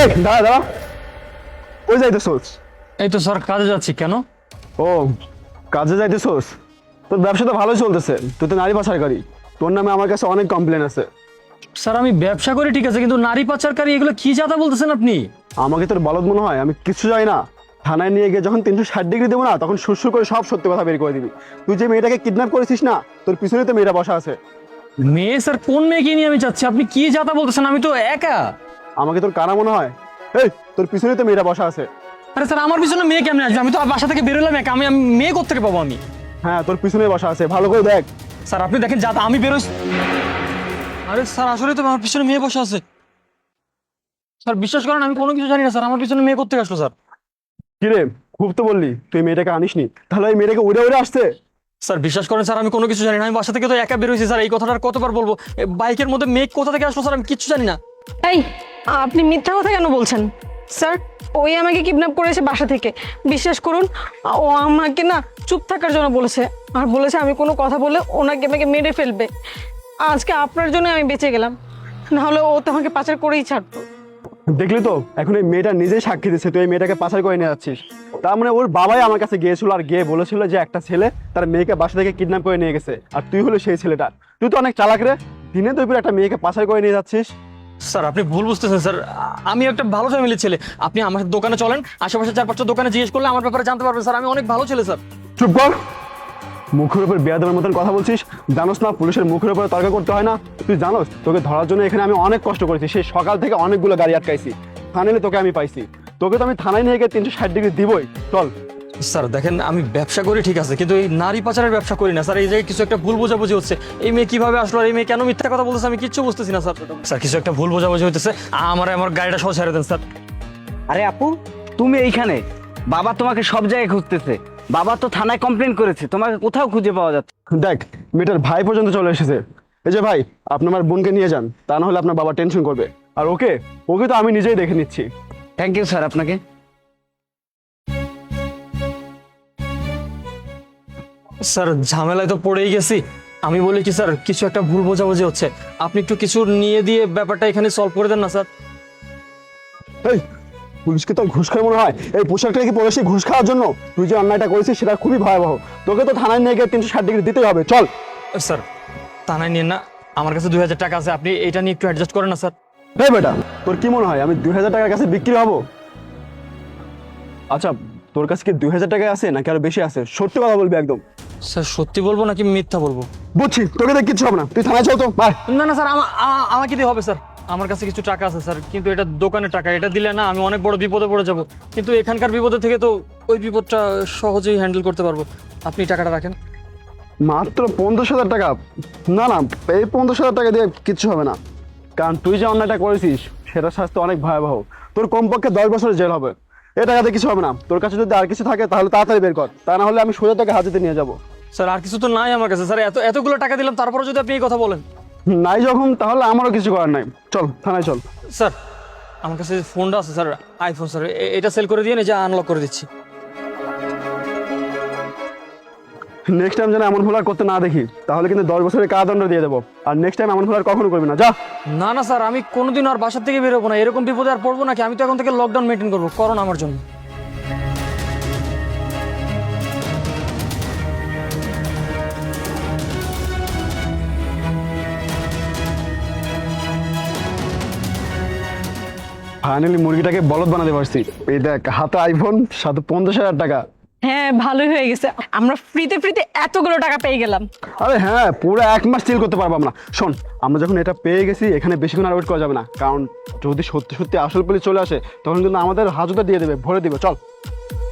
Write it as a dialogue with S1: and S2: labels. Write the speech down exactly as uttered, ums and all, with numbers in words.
S1: এই দাঁড়া দাঁড়া, ওই যাইতেছোস?
S2: এই তো স্যার কাজে যাচ্ছি। কেন?
S1: ও কাজে যাইতেছোস? তোর ব্যবসা তো ভালোই চলতেছে, তুই তো নারী পাচারকারী, তোর নামে আমার কাছে অনেক কমপ্লেন আছে।
S2: স্যার আমি ব্যবসা করি ঠিক আছে, কিন্তু নারী পাচারকারী এগুলো কি যাতা বলতেছেন আপনি?
S1: আমাকে তোর বলদ মনে হয়? আমি কিছু জানি না। থানায় নিয়ে গিয়ে যখন তিনশো ষাট ডিগ্রি দেবো না, তখন সুরসুর করে সব সত্যি কথা বের করে দিবি। তুই যে মেয়েটাকে কিডন্যাপ করেছিস না, তোর পিছনে তো মেয়েটা বসা আছে।
S2: মেয়ে স্যার? কোন মেয়েকে নিয়ে আমি যাচ্ছি? আপনি কি যাতা বলতেছেন? আমি তো একা।
S1: আমাকে তোর কারা মনে হয়? এই তোর পিছনে তো মেয়েটা বসা আছে।
S2: আরে স্যার আমার পিছনে মেয়ে কেমনে আসবে? আমি তো বাসা থেকে বেরোলাম একা, আমি আমি মেয়ে কোত্থেকে পাবো আমি?
S1: হ্যাঁ তোর পিছনে বসা আছে, ভালো করে দেখ।
S2: স্যার আপনি দেখেন যাতা, আমি বেরোই। আরে স্যার আসলে তো আমার পিছনে মেয়ে বসে আছে। স্যার বিশ্বাস করেন আমি কোনো কিছু জানি না স্যার, আমার পিছনে মেয়ে কোত্থেকে আসলো স্যার?
S1: কিরে খুব তো বললি তুই মেয়েটাকে আনিসনি, তাহলে ওই মেয়েটাকে উড়ে উড়ে আসছে।
S2: স্যার বিশ্বাস করেন স্যার, আমি কোনো কিছু জানি না। আমি বাসা থেকে তো একা বেরোইছি স্যার, এই কথাটা আর কতবার বলবো? এ, বাইকের মধ্যে মেঘ কোথা থেকে আসলো স্যার আমি কিচ্ছু জানি না।
S3: এই আপনি মিথ্যা কথা কেন বলছেন স্যার? ওই আমাকে কিডন্যাপ করেছে বাসা থেকে। বিশ্বাস করুন, ও আমাকে না চুপ থাকার জন্য বলেছে, আর বলেছে আমি কোনো কথা বলে ওনাকে আমাকে মেরে ফেলবে। আজকে আপনার জন্য আমি বেঁচে গেলাম, নাহলে ও তো আমাকে পাচার করেই ছাড়তো।
S1: দেখলি তো, এখন এই মেয়েটা নিজেই সাক্ষী দিচ্ছে তুই এই মেয়েটাকে পাচার করে নিয়ে যাচ্ছিস। তার মানে ওর বাবাই আমার কাছে গিয়েছিল আর গিয়ে বলেছিল যে একটা ছেলে তার মেয়েকে বাসা থেকে কিডন্যাপ করে নিয়ে গেছে, আর তুই হলো সেই ছেলেটা। তুই তো অনেক চালাক রে, দিনে দুই একটা মেয়েকে পাচার করে নিয়ে যাচ্ছিস।
S2: স্যার আপনি ভুল বুঝতেছেন স্যার, আমি একটা ভালো ফ্যামিলির ছেলে। আপনি আমার দোকানে চলেন, আশেপাশে চার পাঁচটা দোকানে জিজ্ঞেস করলে আমার ব্যাপারে জানতে পারবেন স্যার। আমি অনেক ভালো ছেলে স্যার।
S1: চুপ কর, মুখের উপর বেয়াদবের মতন কথা বলছিস। জানোস না পুলিশের মুখের উপরে তর্ক করতে হয় না? তুই জানোস তোকে ধরার জন্য এখানে আমি অনেক কষ্ট করেছি, সেই সকাল থেকে অনেকগুলো গাড়ি আটকাইছি, ফাইনালি তোকে আমি পাইছি। তোকে তো আমি থানায় নিয়ে গিয়ে তিনশো ষাট ডিগ্রি দিবই। চল।
S2: স্যার দেখেন আমি ব্যবসা করি ঠিক আছে, কিন্তু এই নারী পাচারের ব্যবসা করি না স্যার। এই জায়গায় কিছু একটা ভুল বোঝাবুঝি হচ্ছে। এই মেয়ে কিভাবে আসলো আর এই মেয়ে কেন মিথ্যা কথা বলতেছে আমি কিচ্ছু বুঝতেছি না স্যার। স্যার কিছু একটা ভুল বোঝাবুঝি হইতেছে, আমার আমার গাড়িটা সহ ছেড়ে দেন স্যার।
S4: আরে আপু, তুমি এইখানে? বাবা তোমাকে সব জায়গায় খুঁজতেছে। বাবা তো থানায় কমপ্লেন করেছে, তোমাকে কোথাও খুঁজে পাওয়া যাচ্ছে।
S1: দেখ মেয়েটার ভাই পর্যন্ত চলে এসেছে। এই যে ভাই, আপনি আমার বোনকে নিয়ে যান, তা না হলে আপনার বাবা টেনশন করবে। আর ওকে ওকে তো আমি নিজেই দেখে নিচ্ছি।
S4: থ্যাংক ইউ স্যার আপনাকে।
S2: স্যার ঝামেলায় তো পড়েই গেছি। আমি বলি কি স্যার, কিছু একটা ভুল বোঝাবুঝি হচ্ছে, আপনি একটু কিছু নিয়ে দিয়ে ব্যাপারটা এখানে সলভ করে দেন না স্যার।
S1: এই পুলিশকে তো ঘুষ খায় মনে হয়? এই পোশাকটা কি পরেছি ঘুষ খাওয়ার জন্য? তুই যে অন্যায়টা করেছিস সেটা খুবই ভয়াবহ। তোকে তো থানায় নিয়ে গিয়ে তিনশো ষাট ডিগ্রি দিতেই হবে। চল।
S2: স্যার থানায় নিন না, আমার কাছে দুই হাজার টাকা আছে, আপনি এটা নিয়ে একটু অ্যাডজাস্ট করেন না স্যার।
S1: এই বেটা, তোর কি মনে হয় আমি দুই হাজার টাকার কাছে বিক্রি হব? আচ্ছা তোর কাছে কি দুই হাজার টাকা আছে নাকি আরো বেশি আছে? সত্যি কথা বলবি একদম।
S2: স্যার সত্যি বলবো নাকি মিথ্যা বলবো?
S1: বুঝছি, তোকে দেখ কিচ্ছু হবে না, তুই থানায় চল তো। বাই।
S2: না না স্যার, আমা- আমা- আমাকে দিয়ে হবে স্যার। আমার কাছে কিছু টাকা আছে স্যার, কিন্তু এটা দোকানের টাকা, এটা দিলে না আমি অনেক বড় বিপদে পড়ে যাব। কিন্তু এখানকার বিপদের থেকে তো ওই বিপদটা সহজেই হ্যান্ডেল করতে পারবো। আপনি টাকাটা রাখেন।
S1: মাত্র পঞ্চাশ হাজার টাকা? না না, এই পঞ্চাশ হাজার টাকা দিয়ে কিচ্ছু হবে না, কারণ তুই যে অন্যায়টা করেছিস সেটার শাস্তি অনেক ভয়াবহ। তোর কমপক্ষে দশ বছরের জেল হবে। এ টাকাতে কিছু হবে না। তোর কাছে যদি আর কিছু থাকে তাহলে তাড়াতাড়ি বের কর, তা না হলে আমি সোজা তোকে হাজতে নিয়ে যাবো।
S2: স্যার আর কিছু তো নাই আমার কাছে স্যার, এত এতগুলো টাকা দিলাম তারপরে যদি আপনি এই কথা বলেন।
S1: নাই যখন, তাহলে আমারও কিছু করার নাই। চল থানায় চল।
S2: স্যার আমার কাছে যে ফোনটা আছে স্যার, আইফোন স্যার, এ- এটা সেল করে দিয়ে যে আনলক করে দিচ্ছি।
S1: নেক্সট টাইম যেন এমন ভুল আর করতে না দেখি, তাহলে কিন্তু দশ বছরের কারাদণ্ড দিয়ে দেবো। আর নেক্সট টাইম এমন ভুল আর কখনো করবি না, যা।
S2: না না স্যার, আমি কোনোদিন আর বাসার থেকে বেরোবো না, এরকম বিপদে আর পড়বো নাকি? আমি তো এখন থেকে লকডাউন মেনটেন করবো, করোনা আমার জন্য।
S1: ফাইনালি মুরগিটাকে বলদ বানাতে পারছি। এই দেখ, হাতে আইফোন, সাথে পঞ্চাশ হাজার টাকা।
S3: হ্যাঁ ভালোই হয়ে গেছে, আমরা ফ্রিতে ফ্রিতে এতগুলো টাকা পেয়ে গেলাম।
S1: আরে হ্যাঁ, পুরো এক মাস চিল করতে পারবো আমরা। শোন, আমরা যখন এটা পেয়ে গেছি এখানে বেশিক্ষণ আর ওয়েট করা যাবে না, কারণ যদি সত্যি সত্যি আসল পুলিশ চলে আসে তখন কিন্তু আমাদের হাজতে দিয়ে দেবে, ভরে দিবে। চল।